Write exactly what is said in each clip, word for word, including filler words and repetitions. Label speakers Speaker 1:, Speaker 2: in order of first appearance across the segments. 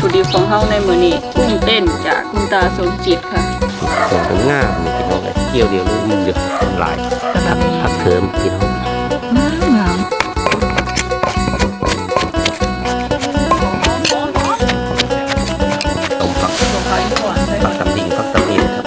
Speaker 1: ถุดิบของเฮาในมื้อนี้กุ้งเต้นจากคุณตาสมจิตค่ะ
Speaker 2: ส่วนงามนี่พี่น้องเลยเกี่ยวเดียวรู้มือเยอะหลายผักผักเทิมพี่น้อง
Speaker 1: งาม
Speaker 2: ต้มผักผักตำลิงผักตำเนียนครับ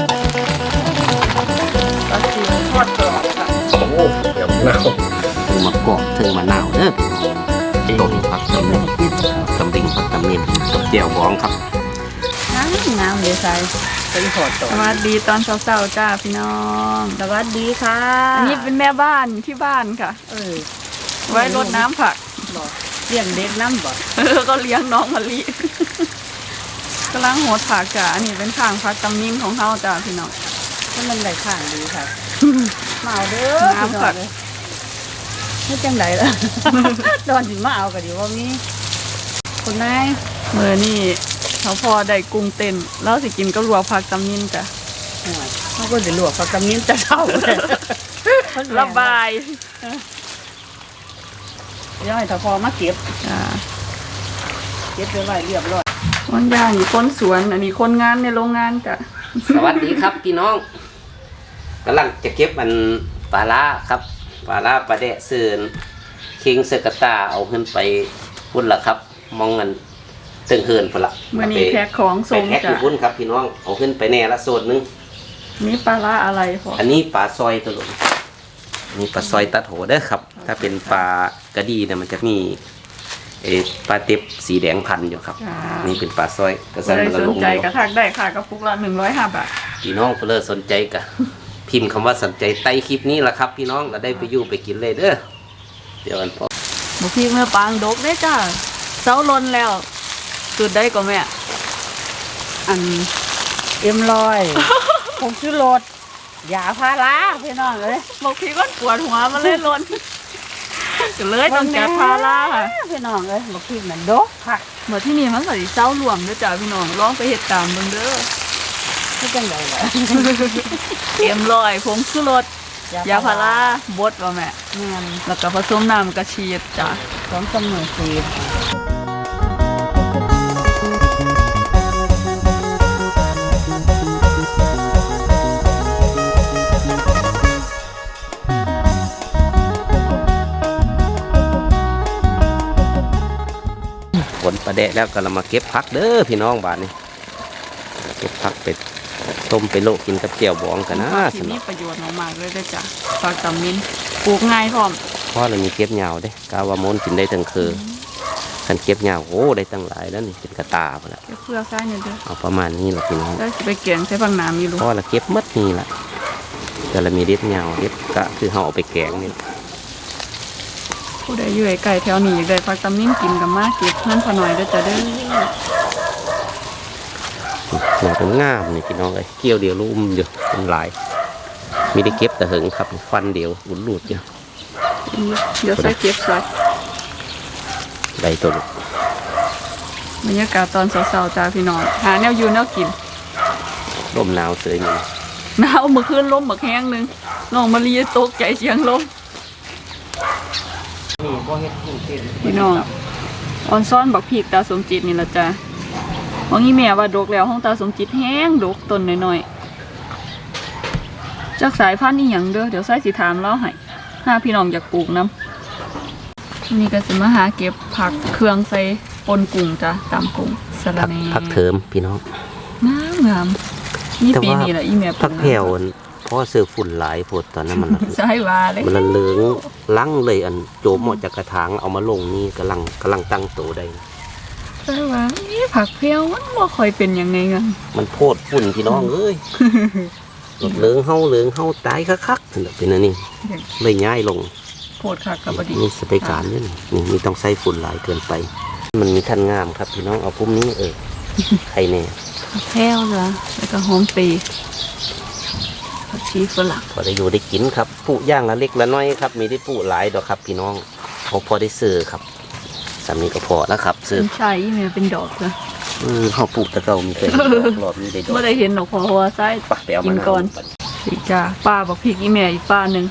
Speaker 1: ปลาซิวทอดกรอบค่ะ
Speaker 2: โอ้เดี๋ยวหนาวถึงมะกอกถึงมะนาวเด้อต้มผักตำลิงตำลิงผักตำเนียนกับเจียวบองครับ
Speaker 1: งามงามเลยใส่
Speaker 3: เป็นหอดต่อ
Speaker 1: สวัสดีตอนเช้าๆจ้าพี่น้อง
Speaker 3: สวัสดีค่ะ
Speaker 1: อันนี้เป็นแม่บ้านที่บ้านค่ะ
Speaker 3: เออ
Speaker 1: ไว้รดน้ำผัก
Speaker 3: เลี้ยงเด็กน้ำบ่
Speaker 1: เออก็เลี้ยงน้องมะลิกำลังโหดผักจ้าอันนี้เป็นข้างผักตำนิ่มของเขาจ้าพี่น้อง
Speaker 3: ถ้ามันได้ข้างดีค่ะมาเอาเด้อ
Speaker 1: น้ำผัก
Speaker 3: ไม่จังไดล่ะตอนถึงมาเอาก็ดีว่ามีคนนาย
Speaker 1: เมื่อนี่เขาพอได้กุ้งเต้นแล้วสิกินก็รัวผักตำนิ่มจ้ะ
Speaker 3: เขาก็จะลวกผักตำนิ่มจะเท่าเลย
Speaker 1: ระบาย
Speaker 3: ย่อยถ้าพอมาเก็บเก็บไปไว้เรียบร้อย
Speaker 1: คนย่างนี่คนสวนอันนี้คนงานในโรงงานจ้ะ
Speaker 2: สวัสดีครับพี่น้องกำลังจะเก็บมันปลาล่าครับปลาล่าปลาแดะเสือนคิงเซกตาเอาขึ้นไปพุ่นละครับมองเงินตึงเฮินพุ่นละ
Speaker 1: เมื่อนี้แพ็คของส่ง
Speaker 2: จ้ะแพ็คอยู่พุ่นครับพี่น้องเอาขึ้นไปแน่ละโซนนึง
Speaker 1: นี่ปลาล่าอะไรพอ
Speaker 2: อันนี้ปลาซอยตัวหลงนี่ปลาซอยตัดโหเด้อครับถ้าเป็นปลากระดีเนี่ยมันจะมีเอปลาเต็บสีแดงพันอยู่ครับนี่เป็นปลาซอย
Speaker 1: กระสันมันสนใจกระทักได้ค่ะกระปุกละหนึ่งร้อยห้าบาท
Speaker 2: พี่น้องเพื่อสนใจกะพิมพ์คำว่าสนใจใต้คลิปนี้แหละครับพี่น้องเราได้ไปอยู่ไปกินเลยเด้อเดี๋ยวกันพอ
Speaker 1: หมูพี่เมื่อปางดกได้จ้าเสาลนแล้วจุดได้ก็แม่
Speaker 3: อันเอ็มลอยผมชื่อรถยาพาราพี่น้องเลย
Speaker 1: บอกพี่ก็ปวดหัวมันเลยลนเลยต้องแก้พารา
Speaker 3: พี่น้องเลยบอกพี่เหมือนดกค่ะ
Speaker 1: เมื่อที่นี่มันใส่เสาหลวมด้วยจ้าพี่น้องลองไปเห็ดตามเบิ่งเด้อ
Speaker 3: ไม่จังไดเลย
Speaker 1: เอ็มลอยผงชูรสยาพาราบดว่าแม่แล้วก็ผสมน้ำกระเชียดจ้า
Speaker 3: พร้อมสมุนไพร
Speaker 2: ผลปลาแดะแล้วก็เรามาเก็บผักเด้อพี่น้องบ้านนี้เก็บผักไปต้มไปโลกกินกับเจียวบองกันนะ
Speaker 1: ที่นี่ประโยชน์มากเลยจ้ะผักตำมินปลูกง่ายพร้อม
Speaker 2: เพราะเรามีเก็บเหงาเด้กาวามนกินได้ทั้งคือขันเก็บเหงาโอ้ได้ตั้งหลายแล้วนี่เป็นกระตาไปแล้ว
Speaker 1: เพื่อใช้เนี่ยเด้อ
Speaker 2: เอาประมาณนี้แหละพี่น้อง
Speaker 1: ได้ไปเกี่ยงใช้ฟังน้ำมีรู้
Speaker 2: เพราะเราเก็บมัดนี่แหละแต่เรามีเด็ดเหงาเด็ดก็คือเขาเอาไปแกงนี่
Speaker 1: ผู้ใดอยู่ไกลแถวนี้ได้ผักตำนิ่มกินกับมากเก็บนั่นพอหน่อยด้วยจะได้
Speaker 2: หัวเป็นงามนี่พี่น้องเลยเกี่ยวเดียวลุ่มอยู่เป็นหลายมีได้เก็บแต่หึงครับฟันเดียวหลุดหลุดอยู่
Speaker 1: เดี๋ยวใส่เก็บใส่
Speaker 2: ได้ตัวลูก
Speaker 1: บรรยากาศตอนเช้าๆจ้าพี่น้องหาแนวอยู่แนวกิน
Speaker 2: ลมหนาวเสยนี่
Speaker 1: หนาวเมื่อคืนลมเมื่อแห้งนึงน้องมาลีตกใจเสียงลมพี่น้องออนซ้อนบักพีกตาสมจิตนี่ละจ้าของอีแม่ว่าดกแล้วห้องตาสมจิตแห้งดกต้นน้อยๆจากสายพันธุ์นี่อย่างเด้อเดี๋ยวใส่สีถามเล่าให้ห้าพี่น้องอยากปลูกน้ำนี่ก็จะมาหาเก็บผักเครื่องใส่ปนกุ้งจ้าตามกุ้งสลัด
Speaker 2: ผักเทิมพี่น้อง
Speaker 1: งามงามนี่ปีนี้แหละอีแม่
Speaker 2: ผักแผ่วเพราะเสือฝุ่นหลายผดตอนนั้นมัน
Speaker 1: ใช่ว่าเลย
Speaker 2: มันเหลืองลังเลยอันโจมออกจากกระถางเอามาลงนี่กำลังกำลังตั้งโตได้
Speaker 1: ใช่ว่านี่ผักเพี้ยวมันบ่ค่อยเป็นยังไงกัน
Speaker 2: มันโพดฝุ่นพี่น้องเอ้ยเหลืองเฮาเหลืองเฮาตายคักๆเป็นอันนี้เลยง่ายลง
Speaker 1: โพดคักกับบดี
Speaker 2: นี่สเปการนี่นี่มีต้องใส่ฝุ่นหลายเกินไปมันมีทันงามครับพี่น้องเอาพุ่มนี้เออใครเนี่ย
Speaker 1: ผักแพ้วเหรอแล้วก็หอมปีผักชีฝรั่ง
Speaker 2: พอได้อยู่ได้กินครับปลูกย่างละเล็กละน้อยครับมีได้ปลูกหลายดอกครับพี่น้องเขาพอได้ซื้อครับสามีก็พอแล้วครับซื้อ
Speaker 1: ใช่เนี่ยเป็นดอกเลย
Speaker 2: อือเขาปลูกตะเกามีเป็นหลอดมีได้ดอก
Speaker 1: เมื่อได้เห็นดอกพอหัวไส้กินก่อนสีจ้าป้าบอกพี่อีแม่อีกป้าหนึ่ง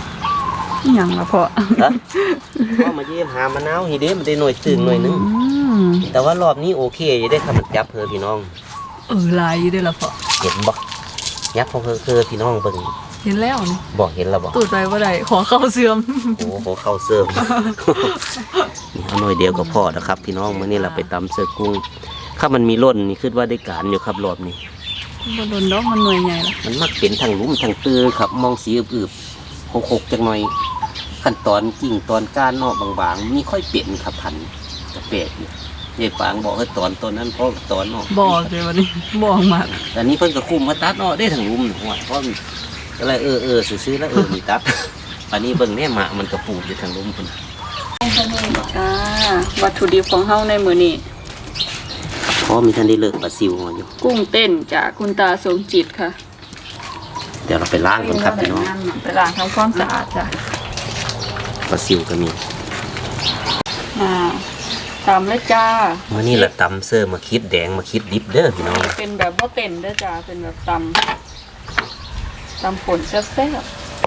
Speaker 1: ยังละพอ
Speaker 2: พ่อมาเยี่ยมหามะนาวฮีเด้มันได้หน่วยตึงหน่วยนึง
Speaker 1: ม
Speaker 2: แต่ว่ารอบนี้โอเคอยู่ได้ครับมันจับเพอพี่น้อง
Speaker 1: เออลายอยู่ได้ละพอ
Speaker 2: เห็นบ่ยับเพอเพอพี่น้องเบิ่ง
Speaker 1: เห็นแล้วนี่
Speaker 2: บอกเห็นแล้วบอก
Speaker 1: ตูดไปว่าได้ขอเข้าเสื่อม
Speaker 2: โอ้โหเข้าเสิร์ฟ นี่เอาหน่อยเดียวก็พอนะครับ พี่น้องมื้อนี้เราไปตำเสือกุ้งถ้ามันมีร่นนี่คิดว่าได้การอยู่ครับรอบนี้
Speaker 1: บ่โดนดอกมันหน่วยใหญ่ละ
Speaker 2: มันมักเป็นทางหลุมทางตื้อครับ มองสีอึบๆหกๆจังหน่อยขั้นตอนกิ่งตอนก้านนอกบางๆมีค่อยเปลี่ยนครับพันกระเปดอยู่ยายปางบอกให้ตอนตอนนั้นเพราะตอนนอก
Speaker 1: บอกเลยวันนี้บอกมาก
Speaker 2: แต่นี้เพิ่นก็คุมมาตัดเนาะได้ทางลุมหนึ่งว่าเพราะมันก็เลยเออเออซื้อๆแล้วเออมีตัด อันนี้เบิ่งแน่หมามันกระปูดอยู่ทางลุมพุ่น
Speaker 1: อ่าวัตถุดิบของเฮาในมื้อนี้
Speaker 2: เพราะมีท่านได้เลิกปลาซิวมาอยู่
Speaker 1: กุ้งเต้นจากคุณตาสมจิตค่ะ
Speaker 2: เดี๋ยวเราไปล้างก่อนครับพี่น้อง
Speaker 1: ไปล้างทำความสะอาดจ้ะ
Speaker 2: ปลาซิวก็มี
Speaker 1: อ่าตามเลยจ้า
Speaker 2: เมื่อนี้ละตำเสื้อมาคิดแดงมาคิดดิบเด้อพี่น้อง
Speaker 1: เป็นแบบบ่เต้นเด้อจ้าเป็นแบบตำตำป่นแซ่บ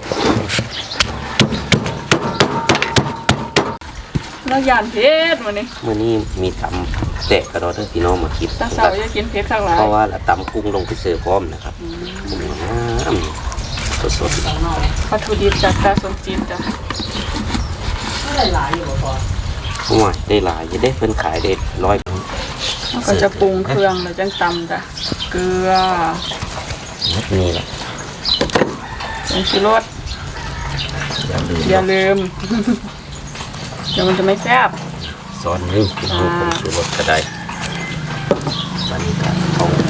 Speaker 1: ๆแล้วยานเพชรมื้อนี้
Speaker 2: เมื่อนี้มีตำแตะกระดอเด้อพี่น้องมาคิด
Speaker 1: ตาสาวอยากกินเพชรข้างหลาย
Speaker 2: เพราะว่าละตำกุ้งลงไปเสิร์ฟพร้อมนะครับกุ้งน้ำสดๆ
Speaker 1: วัตถุดิบจากตาสมจิตจ้ะ
Speaker 3: หลายๆอยู่บ่พอ
Speaker 2: โอ้ยได้หลายจะได้เพิ่นขายได้ร้อย
Speaker 1: แล้วก็จะปรุงเครื่องแล้วจังตำจ้ะเกลือ
Speaker 2: นี่แหละ
Speaker 1: ผงชูรส
Speaker 2: อย่าลืม
Speaker 1: อย่าลืม เดี๋ยวมันจะไม่แซ่บ
Speaker 2: ซอนนึงพี่น้องผงชูรสก็ได้ตอนนี้ก็เอาโค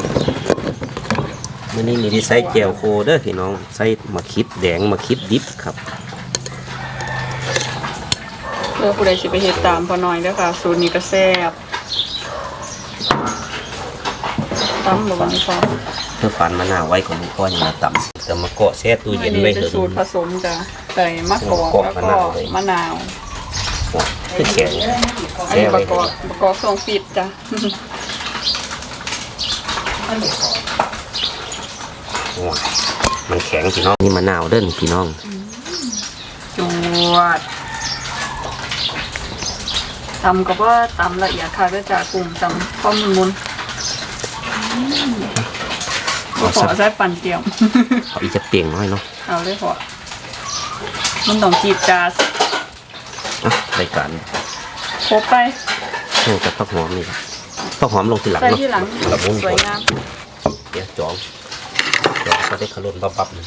Speaker 2: มื่อนี้มีที่ใส่แจวโคเด้อพี่น้องใส่มะขิดแดงมะขิดดิบครับ
Speaker 1: เพื่อผู้ใดสิไปเฮ็ดตามพอน้อยเด้อค่ะสูตรนี้ก็แซ่บตำหรือว่าไม่พอ
Speaker 2: เพื่อฟันมะนาวไว้ของลูกพ่อยังมาต่ำจะมาเกาะแช่ตู้เย็นไว้
Speaker 1: เป็
Speaker 2: เถ
Speaker 1: น
Speaker 2: อะ
Speaker 1: สูตรผสมจ้ะใส่มะกอกแล้วก็มะนาว
Speaker 2: คือแข็ง
Speaker 1: อันนี้ประกอบประกอบทรงปิดจ้ะ
Speaker 2: โอ้ยมันแข็งพี่น้องนี่มะนาวเด้อนี่พี่น้อง
Speaker 1: จวดตำก็ว่าตำละเอียดค่ะด้วยจ้ะกลุ่มตำข้อมุนมุนๆก็ขอใช้ปั่นเตรียม
Speaker 2: เอาอีกจะเปลี่ยงน้อยเนาะ
Speaker 1: เอาเลยพอมันต้องจีบจาส
Speaker 2: อ่ะรายการ
Speaker 1: ครบไป
Speaker 2: เพิ่มกับผักหอมนี่ครับผักหอมลงทีหลัง
Speaker 1: ใส่
Speaker 2: เนาะ
Speaker 1: ที่หลัง
Speaker 2: ละมุน
Speaker 1: สวยงาม
Speaker 2: เดี๋ยวจองจองก็ได้ขลุ่นบับๆเลย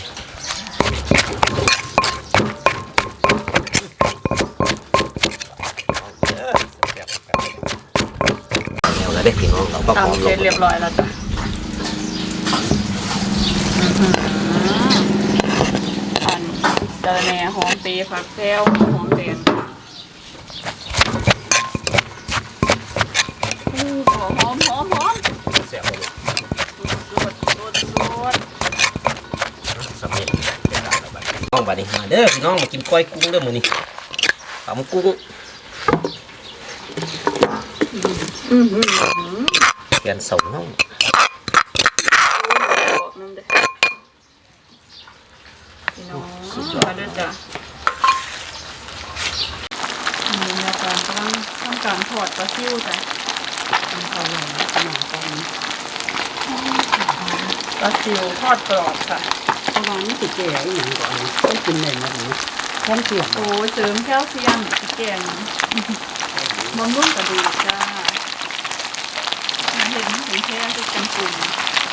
Speaker 2: เอาละเด้พี่น้องเราก็หอม
Speaker 1: ตำ
Speaker 2: ล
Speaker 1: เสร็
Speaker 2: ง
Speaker 1: จเรียบร้อยแล้วจ้ะอื้อหืออันเจอแหน่หอมปีผักแก้วหอมแดงอู้หอมหอมหอมหอม
Speaker 2: แซ่บเลย
Speaker 1: สวดสวดสวด
Speaker 2: สำเร็จน้องบัดนี้มาเด้อพี่น้องมากินก้อยกุ้งเด้อมื้อนี้ตำกุ้ง
Speaker 1: อือหือ
Speaker 2: แกนเสาน้อง
Speaker 1: บอกนั่นเด้อพี่น้องมาเด้อจ้ะนี่อาจารย์กำลังทำการถอดปลาซิวจ้ะ
Speaker 3: เอาเลยขนมปัง
Speaker 1: ปลาซิวทอดกรอบค่ะ
Speaker 3: เพราะว่านี่สิแก่อีหยังก่อนต้องกินเลยนะนี่แค่เสียง
Speaker 1: โอ้ยเสริมแคลเซียมแกงบำรุงกระดูกจ้าเห็นเห็นแค่ที่เป็นกลุ่ม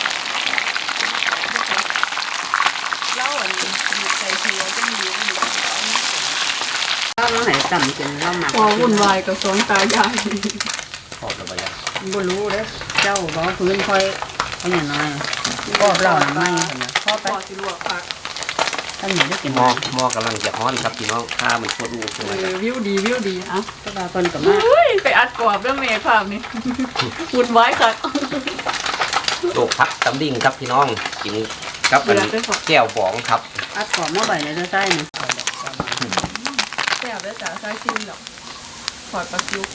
Speaker 1: เล่าอันนี้ใส่เทียก็มีอยู่
Speaker 3: เราเราไหนจำกินเราหมัก
Speaker 1: พอวุ่นวายกับสองตายาย
Speaker 2: ขอบระบาย
Speaker 3: บ่รู้เด้อเจ้าบ่พื้นค่อยเอาอย่างน้อยก็เราน่ะไม่เห็นนะ
Speaker 1: พ่อไปสิลวกผัก
Speaker 3: ถ้าหนูได้กิน
Speaker 2: หม้อหม้อกำลังจะฮ้อนครับพี่น้องข้ามันชวดอูขึ้น
Speaker 1: เอ
Speaker 2: มา
Speaker 1: อวิวดีวิวดีเอ่ะ
Speaker 3: ก็ว่าเพิ่นก็มา
Speaker 1: เฮ้ยไปอัดกรอบเรื่องเมย์ภาพนี้ วุ่นวายค่ะ
Speaker 2: โตกพักตำดิ่งครับพี่น้องกินครับอันแก้วบองครับ
Speaker 3: อัดของมาใบในเด้อใต้นี่
Speaker 1: แซ่บเลยจ้าใส่ซิมหรอกถอดปลาซิว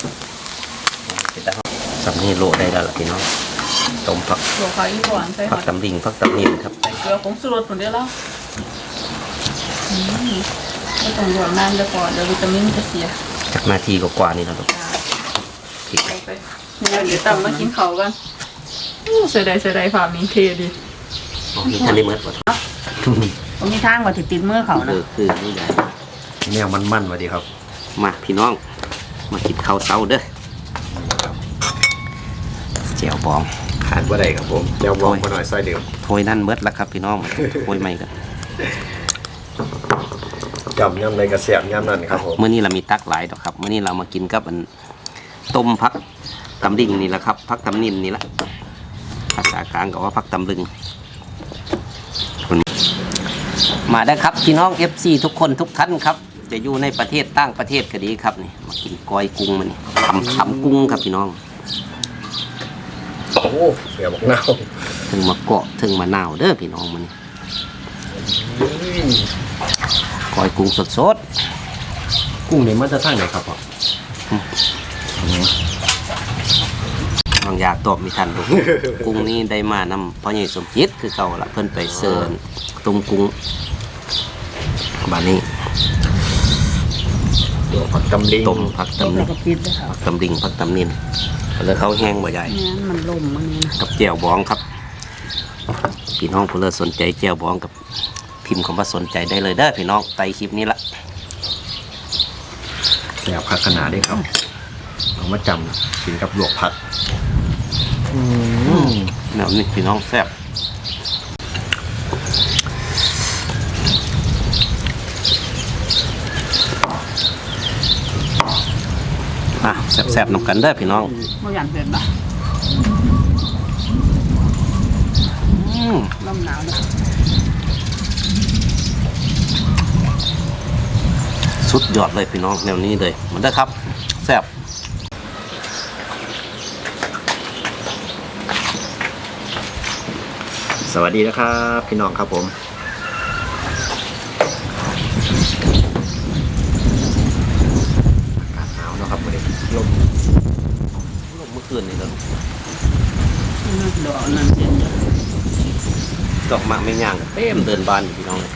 Speaker 2: สำนีโลได้แล้วล่ะพี่น้องต้มผัก
Speaker 1: ลวกผักอีกก่อนใส่ห
Speaker 2: ผั
Speaker 1: อก ย
Speaker 2: ตำดิ่งผักตำนิ่ครับ
Speaker 1: ใส่เกลือผงชูรสผงเดียวแล้วอืมไม่ต้องลวกนานเดี๋ยวก่อนเดี๋ยววิตามินจะเสีย
Speaker 2: จากนาทีกว่าๆนี่นะลูก
Speaker 1: จ้า
Speaker 2: ริก
Speaker 1: ใส่ไปเนี่ยเดี๋ยวตำมากินเขาวกันอู้เสียดายเสียดายภาพนี้เทดี
Speaker 2: อ๋อมีทันได้เมื่อปะ
Speaker 3: ผมมีทางว่าติดติดมือเขา
Speaker 2: เอ
Speaker 3: นะ
Speaker 2: อคือนี่ใหญ่
Speaker 4: เนี่ยมันมันๆวะดีครับ
Speaker 2: มาพี่น้องมากินข้าวเช้าเด้อแจ่วบอง
Speaker 4: ขาดว่าใดครับผมเดี๋ยววองมาหน่อยซอยเดียว
Speaker 2: ถ้วยนั่นเมื่อแล้วครับพี่น้องถ้วยใหม่กัน
Speaker 4: จำย่ำในกระเสียบย่ำนั่นครับผม
Speaker 2: เมื่อนี้เรามีตักหลายดอกครับเมื่อนี้เรามากินกับอันต้มพักตำดิ่งนี่แหละครับพักตำนินนี่แหละภาษากลางก็ว่าพักตำลึงมาได้ครับพี่น้อง เอฟ ซี ทุกคนทุกท่านครับจะอยู่ในประเทศต่างประเทศก็ดีครับนี่มากินกอยกุ้งมานี่ทำทำกุ้งครับพี่น้อง
Speaker 4: โอ้เดี๋ยวบอกเน่า
Speaker 2: ถึงมาเกาะถึงมาหนาวเด้อพี่น้องมันนี่กอยกุ้งสด
Speaker 4: กุ้งนี่มันจะทั้งไหนครับพ่อ
Speaker 2: ๆบางอยากตอบมีทันดู กุ้งนี้ได้มานำพ่อใหญ่สมจิตคือเก่าละเพิ่นไปเสิร์นต้มกุ้งบานนี้
Speaker 4: ตัวผักตำลิง
Speaker 2: ต้มผัก
Speaker 3: ต้ม
Speaker 2: ตำ
Speaker 3: แล้
Speaker 2: นิ
Speaker 3: วน ก็ปิดเลยค่ะ
Speaker 2: ผักตำลิงผักตำนินแล้วเขาแห้งบ่ใหญ่
Speaker 3: เนี่ยมันล่มมันนี่นะ
Speaker 2: กับแจ่วบองครับพี่น้องผู้เลิศสนใจแจ่วบองกับพิมพ์คำว่าสนใจได้เลยเด้อพี่น้องไตคลิปนี้ละ
Speaker 4: แสบผักขนาดได้ครับเอามาจำกินกับลวกผักอืม
Speaker 2: แนวนี้พี่น้องแซ่บอ่ะแซ่บๆนำกันเด้อพี่น้อง
Speaker 3: เมื่ออย่างเผ็ดบ่
Speaker 2: อืม
Speaker 3: ลมหนาวเลย
Speaker 2: สุดยอดเลยพี่น้องแนวนี้เลยมันได้อครับแซ่บ
Speaker 4: สวัสดีนะครับพี่น้องครับผมอากาศหนาวเนาะครับวันนี้ลม
Speaker 2: ลงเมื่อคืนนี่แล้ว
Speaker 3: ดอกนั่นเย็นเยอะ
Speaker 2: ดอกมะไม่ย่างเต็มเดินบานอยู่พี่น้องเลย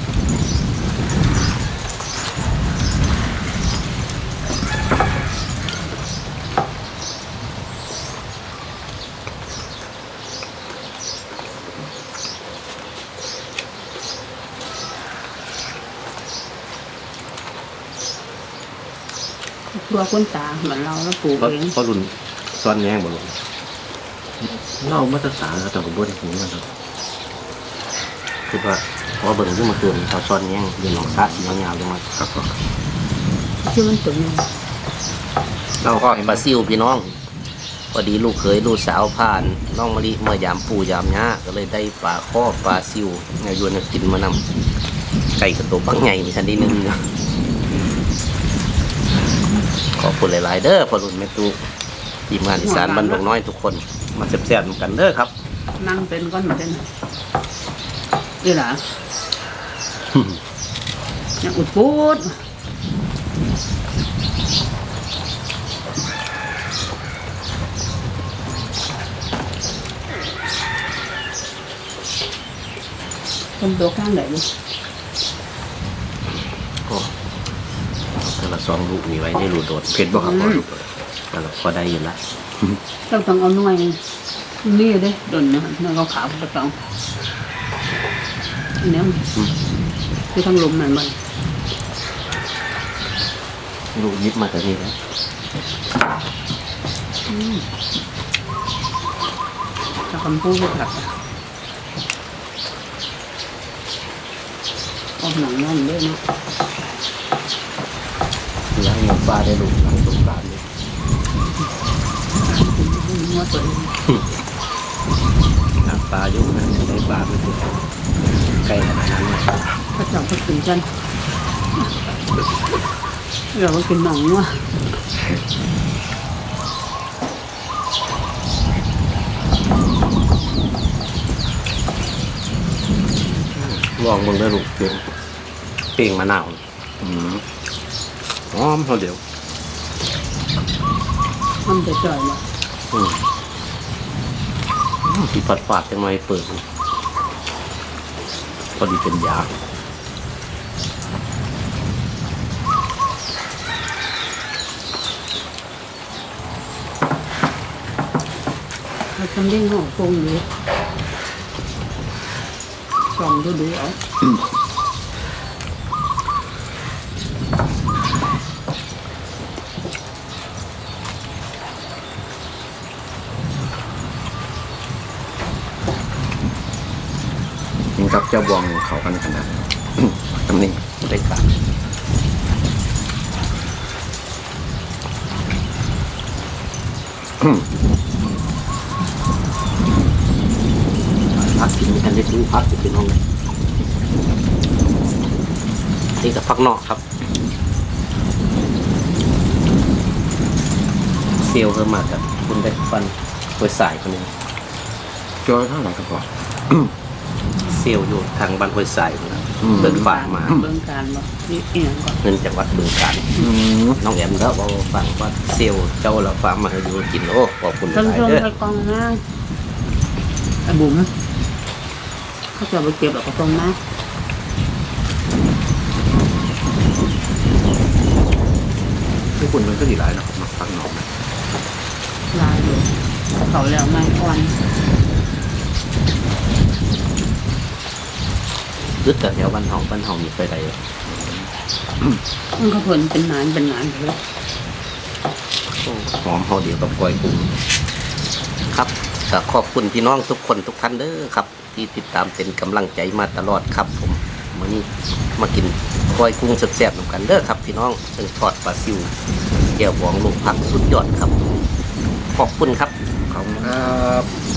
Speaker 3: ตัวคนตาเหมือนเราแล้วปลูก
Speaker 2: เพราะ
Speaker 3: เอง
Speaker 2: เพราะรุ่นซ้อนแย่งบ่ลง
Speaker 4: เล่ามาตรฐานครับแต่ผมบ่ได้ถึงมันครับ
Speaker 2: คือว่าเพราะว่าเบิ่งขึ้นมาเกินเขาซ้อนแย่งยืนหนองซาสียาวๆลงมา
Speaker 4: ครับผม
Speaker 3: ที่มันตุ่มเนี่ย
Speaker 2: เราก็เห็นบาซิลพี่น้องพอดีลูกเคยลูกสาวผ่านน้องมะลิเมื่อยามปู่ยามย่าก็เลยได้ปลาข้อปลาซิวเนี่ยยวนให้กินมานำไก่กระตัวบังใหญ่นี่ทันทีนึงนะขอบคุณหลายๆเด้อพอรุ่นแม่ตู้ทีมงานอีสานบ้านดงน้อยทุกคนมาแซ่บๆกันเด้อครับ
Speaker 3: นั่งเป็นก้อนเหมือนกันนี่หรอยังอุดพูดคนตัวข้างไหนดิ
Speaker 2: โอ้แต่ละซองลูกมีไว้ได้รูโดด
Speaker 4: เผ็ดบ่ครับพ่อลูก
Speaker 2: แต่ละพอได้อยู่ละ
Speaker 3: ต้องต้องเอาหน่วยนี่เด้ดนนะหน่วยขาวๆตะกองอันนี้คือทั้งลมนั่นมัน
Speaker 2: ลูกยิบมาแต่นี่แล้ว
Speaker 3: ถ้าคำพูดก็ผักออกหนังนั่นด้วยนะ
Speaker 2: ล้างเงินปลาได้ลูกหลังสงกรานต์เลย
Speaker 3: หัวตัว
Speaker 2: ล้างปลาอยู่นะได้ปลาไม่ถูกใกล้ขนาดนั้นเลย
Speaker 3: พระเจ้าก็กินกันเราก็กินหนองว่ะ
Speaker 2: ลองมึงได้ลูกเปลี่ยนเปลี่ยงมะนาว
Speaker 4: อืม
Speaker 2: หอมเขาเดี๋ยว
Speaker 3: มันจะจ่อยว่ะ
Speaker 2: อืมที่ผัดฝาดจังไงเปิดพอดีเป็นยา
Speaker 3: เราทำได้หอมคงอยู่ส่องดูดูเอา
Speaker 4: กินกับเจ้าบองเขากันขนาด ตำหนิ
Speaker 2: ได้การพักกินกันได้ดูพักจะเป็นห้องนี่กับพักนอกครับเซลล์เพิ่มมากับคุณได้ฟันโดยสายคนนี้
Speaker 4: จอเท่าไหร่ครับพ่อ
Speaker 2: เซลล์อยู่ทางบ้านห้วยสายนะ
Speaker 4: อืม
Speaker 2: เปิดฝากมา
Speaker 3: เบิ่งการบ่นี่เอียงก่อน
Speaker 2: เงินจากวัดบึงการ
Speaker 4: อืม
Speaker 2: น้องแอมแล้วบอกฟังว่าเซลล์เจ้าละฟ้ามาให้ดูกินโอ้ขอบคุณห
Speaker 3: เพิ่ง
Speaker 2: ลาย
Speaker 3: เพิ่ง
Speaker 2: เด้อ
Speaker 3: ไปกองหน้าไอ้บุ๋มเขาจะไปเก็บแล้วก็ตรงนะ
Speaker 4: ทุกคนมันก็ดีหลายเนาะมาฟังหนอมนะ
Speaker 3: ลายอยู่เขาแล้วไม่อ่อน
Speaker 2: รึแต่แถวบ้านเฮาบ้านเฮามีไปใด
Speaker 3: มันก็เพิ่นเป็นหนานเป็นหนานเลย
Speaker 2: หอมเฮาเดียวกับกล้วยกุ้งครับก็ขอบคุณพี่น้องทุกคนทุกท่านเด้อครับ ที่ติดตามเป็นกำลังใจมาตลอดครับ ผมมื้อนี้มากินกล้วยกุ้งแซ่บๆนำกันเด้อครับ พี่น้องซึ่งทอดปลาซิวเกี่ยวหวงลูกผักสุดยอดครับ ขอบคุณครับ
Speaker 4: ขอบคุณครับ